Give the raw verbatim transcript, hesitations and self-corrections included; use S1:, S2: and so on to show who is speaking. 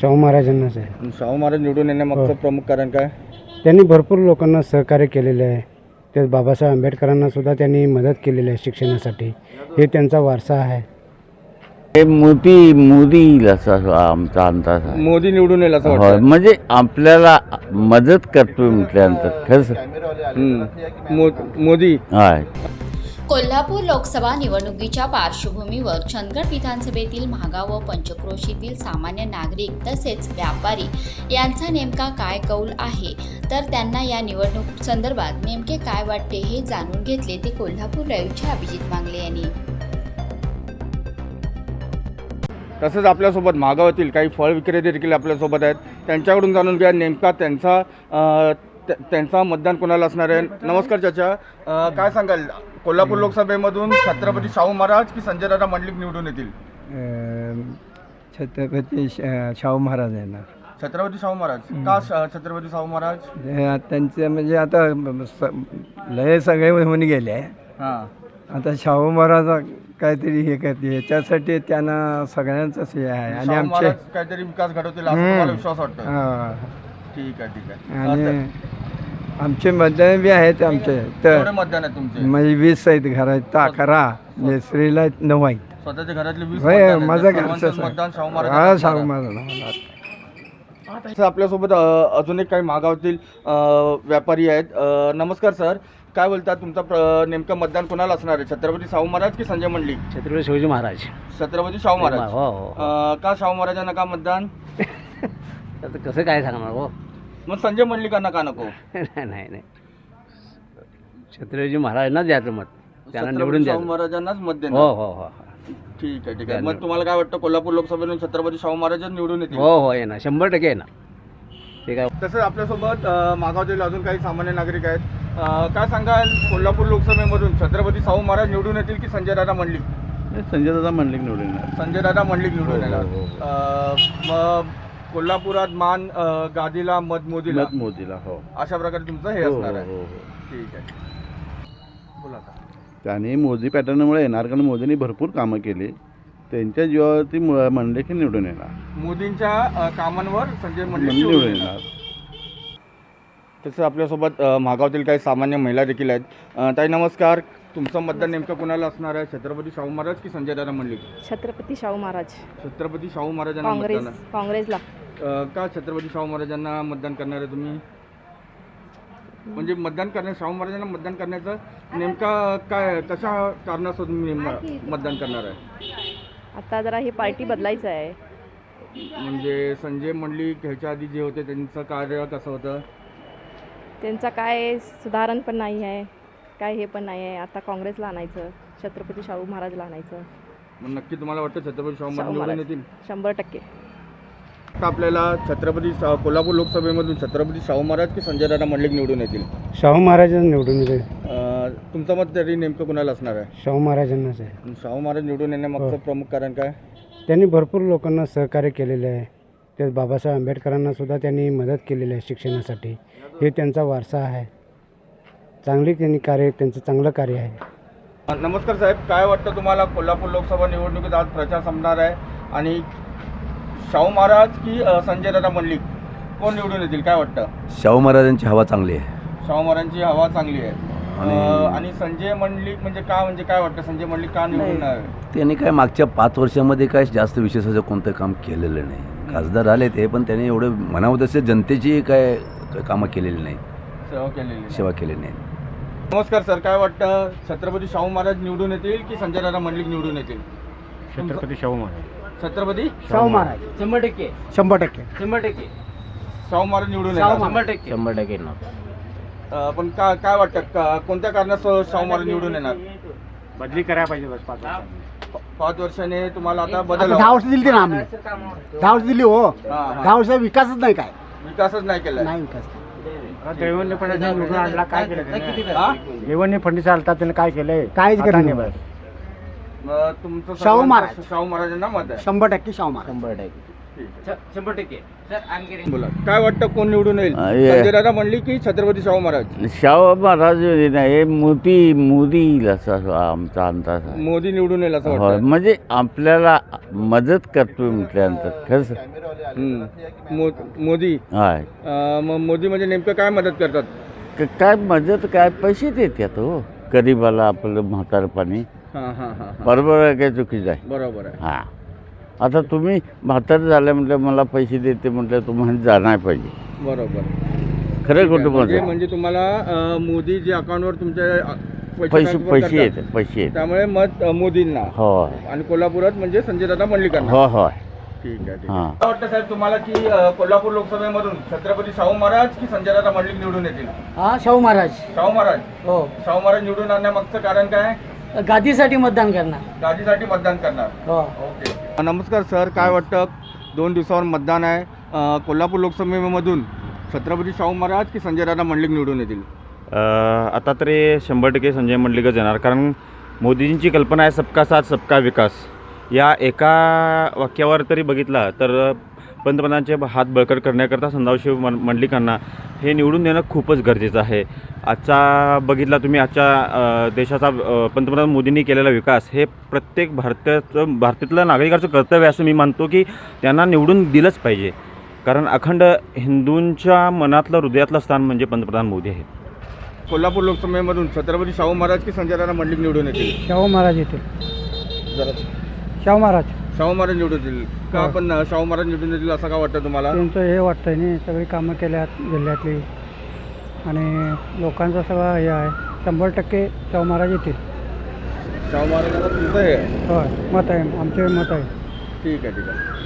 S1: शाहू महाराजांनाच आहे.
S2: शाहू महाराज निवडून येण्यामागचं प्रमुख कारण काय?
S1: त्यांनी भरपूर लोकांना सहकार्य केलेले आहे. ते बाबासाहेब आंबेडकरांना सुद्धा त्यांनी मदत केलेली आहे शिक्षणासाठी. हे त्यांचा वारसा आहे.
S3: हे मोदी मोदी येईल असा आमचा अंदाज आहे.
S2: मोदी निवडून येईल असं
S3: होय,
S2: वाटतं.
S3: म्हणजे आपल्याला मदत करतोय म्हटल्यानंतर खरंच
S2: हम्म. मो- मोदी
S3: आहे.
S4: कोल्हापूर लोकसभा निवडणुकीच्या पार्श्वभूमीवर चंदगड विधानसभेतील महागाव व पंचक्रोशीतील सामान्य नागरिक तसेच व्यापारी यांचा नेमका काय कौल आहे, तर त्यांना या निवडणूक संदर्भात नेमके काय वाटते हे जाणून घेतले ते कोल्हापूर लाईव्हचे अभिजित मांगले यांनी.
S2: तसंच आपल्यासोबत महागावातील काही फळ विक्रेते देखील आपल्यासोबत आहेत. त्यांच्याकडून जाणून घ्या नेमका त्यांचा अ, त्या- त्यांचा मतदान कोणाला असणार आहे. नमस्कार चाचा, अ, काय सांगाल कोल्हापूर लोकसभेमधून छत्रपती शाहू महाराज की संजय दादा मंडलिक निवडून येतील?
S5: छत्रपती श- शाहू महाराज येणार.
S2: छत्रपती शाहू महाराज का? श- छत्रपती शाहू महाराज
S5: हे त्यांचे म्हणजे आता स- लय सगळे होऊन गेले.
S2: हां
S5: आता शाहू महाराज काहीतरी हे करते याच्यासाठी त्यांना सगळ्यांचंच हे आहे. आणि
S2: शाहू
S5: आमचे
S2: महाराज काहीतरी विकास घडवतील असं तुम्हाला विश्वास वाटतो?
S5: हा.
S2: ठीक आहे ठीक आहे.
S5: आणि आमचे मतदान बी आहेत आमचे तर
S2: एवढे मतदान आहे तुमचे?
S5: म्हणजे वीस आहेत घरात तर अकरा नेसरीला नऊ आहेत.
S2: स्वतःच्या घरातले वीस
S5: होय,
S2: मतदान आहेत.
S5: माझं
S2: तर
S5: घरचं
S2: सर्वांचं मतदान शाहू
S5: हा
S2: महाराज
S5: शाहू महाराज.
S2: सर, आपल्यासोबत अ, अजून एक काही महागावातील अ, व्यापारी आहेत. अ, नमस्कार सर, काय बोलतात तुमचा प्र- नेमकं मतदान कोणाला असणार आहे? छत्रपती शाहू महाराज की संजय मंडलिक?
S1: छत्रपती शिवाजी महाराज.
S2: छत्रपती शाहू महाराज.
S1: हो हो.
S2: अ, का शाहू महाराजांना का मतदान?
S1: आता कसं काय सांगणार हो?
S2: मग संजय मंडलिकांना का नको?
S1: नाही नाही नाही. छत्रपती महाराजांनाच द्यायचं मत. त्यांना
S2: छत्रपती
S1: निवडून
S2: शाहू
S1: द्यायचं.
S2: महाराजांनाच मत
S1: हो
S2: देणार.
S1: हो हो
S2: ठीक आहे ठीक आहे. मग तुम्हाला काय वाटतं कोल्हापूर लोकसभेतून छत्रपती शाहू महाराजच निवडून येतील?
S1: हो हो येणार, शंभर टक्के येणार. ठीक आहे.
S2: तसंच आपल्यासोबत अ, मागावतील अजून काही सामान्य नागरिक आहेत. अ, काय सांगाल कोल्हापूर लोकसभेमधून छत्रपती शाहू महाराज निवडून येतील की संजय दादा मंडलिक?
S6: संजय दादा मंडलिक निवडून येणार.
S2: संजय दादा मंडलिक निवडून
S6: हो,
S2: येणार.
S6: हो, हो.
S2: अ, मग कोल्हापुरात मान अ, गादीला मत मोदीला
S6: मत मोदीला. हो
S2: अशा प्रकारे तुमचं हे
S6: हो,
S2: असणार
S6: हो,
S2: आहे.
S6: हो, हो.
S2: ठीक आहे. बोला आता.
S6: त्याने मोदी पॅटर्नमुळे येणार कारण मोदींनी भरपूर कामं केली. त्यांच्या जीवावरती म- मंडलिक हे निवडून येणार.
S2: मोदींच्या अ, कामांवर संजय मंडलिक
S6: निवडून
S2: निवडून
S6: येणार.
S2: तसं आपल्यासोबत अ, मागावतील काही सामान्य महिला देखील आहेत. अ, ताई नमस्कार, तुमचं मतदान नेमकं कोणाला असणार आहे? छत्रपती शाहू महाराज की संजय दादा मंडलिक?
S7: छत्रपती शाहू महाराज.
S2: छत्रपती शाहू महाराजांना
S7: काँग्रेस
S2: मतदान आहे.
S7: काँग्रेसला.
S2: अ, का छत्रपती शाहू महाराजांना मतदान करणार आहे तुम्ही? म्हणजे मतदान करण्या शाहू महाराजांना मतदान करण्याचं नेमका काय, कशा कारणास्तव तुम्ही म- मतदान करणार आहे?
S7: आता जरा ही पार्टी बदलायचं आहे.
S2: म्हणजे संजय मंडलिक ह्याच्या आधी जे होते त्यांचं कार्य कसं होतं?
S7: त्यांचा काय सुधारण पण नाही आहे, काय हे पण नाही आहे. आता काँग्रेसला आणायचं, छत्रपती शाहू महाराजला आणायचं.
S2: मग नक्की तुम्हाला वाटतं छत्रपती शाहू महाराज
S7: शाहू
S2: निवडून
S7: महाराज
S2: येतील?
S7: शंभर टक्के.
S2: आता आपल्याला छत्रपती शा- कोल्हापूर लोकसभेमधून छत्रपती शाहू महाराज की संजय दादा मंडलिक निवडून येतील?
S1: शाहू महाराजांना निवडून येते.
S2: अ, तुमचं मत तरी नेमकं कोणाला असणार आहे?
S1: शाहू महाराजांनाच आहे.
S2: शाहू महाराज निवडून येण्यामागचं
S1: हो.
S2: प्रमुख कारण काय?
S1: त्यांनी भरपूर लोकांना सहकार्य केलेले आहे. ते बाबासाहेब आंबेडकरांना सुद्धा त्यांनी मदत केलेली आहे शिक्षणासाठी. हे त्यांचा वारसा आहे. चांगली त्यांनी कार्य, त्यांचं चांगलं कार्य आहे.
S2: नमस्कार साहेब, काय वाटतं तुम्हाला कोल्हापूर लोकसभा निवडणुकीत आज प्रचार संपणार आहे आणि शाहू महाराज की अ, संजय दादा मंडलिक कोण निवडून येतील? काय वाटतं?
S8: शाहू महाराजांची हवा चांगली आहे.
S2: शाहू महाराजांची हवा चांगली आहे. अ,
S8: आणि-
S2: आणि संजय मंडलिक म्हणजे का, म्हणजे काय वाटतं संजय मंडलिक का निवडून येणार?
S8: त्यांनी काय मागच्या पाच वर्षामध्ये काय जास्त विशेष कोणतं काम केलेलं नाही. खासदार आले ते पण त्यांनी एवढं म्हणावं तसे जनतेची काय काय कामं केलेली नाही,
S2: सेवा केलेली.
S8: सेवा केलेली नाही.
S2: नमस्कार सर, काय वाटतं छत्रपती शाहू महाराज निवडून येतील की संजय दादा मंडलिक निवडून येतील?
S1: छत्रपती शाहू महाराज.
S2: छत्रपती
S1: शाहू महाराज
S9: शंभर टक्के
S1: शंभर टक्के
S9: शंभर टक्के
S2: शाहू महाराज निवडून येणार.
S9: शंभर टक्के
S1: शंभर टक्के येणार.
S2: अ, पण का काय वाटतं का- कोणत्या कारणास्तव शाहू महाराज निवडून येणार?
S1: बदली करायला पाहिजे बस पाच
S2: प- पाच वर्षाने तुम्हाला आता बदल
S10: दहा वर्ष दिली ना आम्ही. दहा वर्ष दिली हो.
S2: हा, हा.
S10: दहा वर्ष विकासच नाही काय.
S2: विकासच नाही केलाय.
S10: नाही विकास.
S1: देवेंद्र फडणवीस निवडून आणला, काय केलं
S2: हा?
S1: देवेंद्र फडणवीस आलता, त्याने काय केलंय?
S10: काहीच
S1: आता
S10: केलं
S1: नाही
S10: नाही.
S1: बस.
S2: मग तुमचं
S10: शाहू
S2: सर्वांचं
S10: महाराज.
S2: शाहू महाराजांना मत आहे.
S10: शंभर टक्के शाहू महाराज.
S1: शंभर टक्के.
S9: शंभर टक्के सर आणखी
S2: बोला काय वाटतं कोण निवडून येईल?
S3: अं, हे-
S2: संजय दादा म्हणली की छत्रपती शाहू महाराज?
S3: शाहू महाराज नाही हे मोदी मोदी येईल असं आमचा अंदाज आहे.
S2: मोदी निवडून येईल असं
S3: होय
S2: वाटतं.
S3: म्हणजे आपल्याला मदत करतोय म्हटल्यानंतर खरंच
S2: हम्म. मो- मोदी
S3: हाय
S2: अं, मग मोदी म्हणजे नेमकं काय मदत करतात?
S3: क- काय मदत काय पैसे देतात हो गरीबाला आपलं म्हातारपणी.
S2: हां हां हां हां.
S3: बरोबर आहे काय चुकीचं आहे?
S2: बरोबर आहे.
S3: हां आता तुम्ही म्हातारं झालं म्हटलं मला पैसे देते म्हटलं तुम्हाला जाणार पाहिजे.
S2: बरोबर.
S3: खरं
S2: म्हणजे
S3: कुटुंबाचं
S2: म्हणजे तुम्हाला अं, मोदी जे अकाउंटवर तुमच्या अं,
S3: पैसे
S2: transfer
S3: पैसे
S2: करतात,
S3: येतात पैसे येतात.
S2: त्यामुळे मत अं, मोदींना.
S3: हो
S2: आणि कोल्हापुरात म्हणजे संजय दादा मंडलिकांना.
S3: हो हो
S2: ठीक आहे ठीक
S3: हां.
S2: आहे. काय वाटतं साहेब तुम्हाला की अं, कोल्हापूर लोकसभेमधून छत्रपती शाहू महाराज की संजय दादा मंडलिक निवडून येतील?
S10: हा शाहू महाराज
S2: शाहू महाराज.
S10: हो
S2: शाहू महाराज निवडून आणण्यामागचं कारण काय?
S10: गादीसाठी मतदान करणार
S2: गादीसाठी मतदान करणार.
S10: हो
S2: ओके. नमस्कार सर, काय वाटतं दोन दिवसावर मतदान आहे अं, कोल्हापूर लोकसभेमधून छत्रपती शाहू महाराज की संजय दादा मंडलिक निवडून येतील?
S11: अ, आता तरी शंभर टक्के संजय मंडलिकच येणार, कारण मोदींची कल्पना आहे सबका साथ सबका विकास. या एका वाक्यावर तरी बघितला तर पंतप्रधानांचे हात बळकट करण्याकरता संदाशिव मन मंडलिकांना हे निवडून देणं खूपच गरजेचं आहे. आजचा बघितला तुम्ही आजच्या अ, देशाचा अ, पंतप्रधान मोदींनी केलेला विकास हे प्रत्येक भारताचं भारतातल्या नागरिकाचं कर्तव्य असं मी मानतो की त्यांना निवडून दिलंच पाहिजे, कारण अखंड हिंदूंच्या मनातलं हृदयातलं स्थान म्हणजे पंतप्रधान मोदी आहेत.
S2: कोल्हापूर लोकसभेमधून छत्रपती शाहू महाराज की संजय दादा मंडलिक निवडून येतील?
S1: शाहू महाराज येतील.
S2: जरा
S1: शाहू महाराज
S2: शाहू महाराज निवडून येतील का? पण शाहू महाराज निवडून येतील असं का वाटतं तुम्हाला?
S1: त्यांचं हे वाटतंय नाही सगळी कामं केल्यात जिल्ह्यातली आणि लोकांचं सगळं हे आहे. शंभर टक्के शाहू महाराज येतील.
S2: शाहू महाराजांना तुमचं हे आहे?
S1: होय मत आहे आमचे मत आहे.
S2: ठीक आहे ठीक आहे.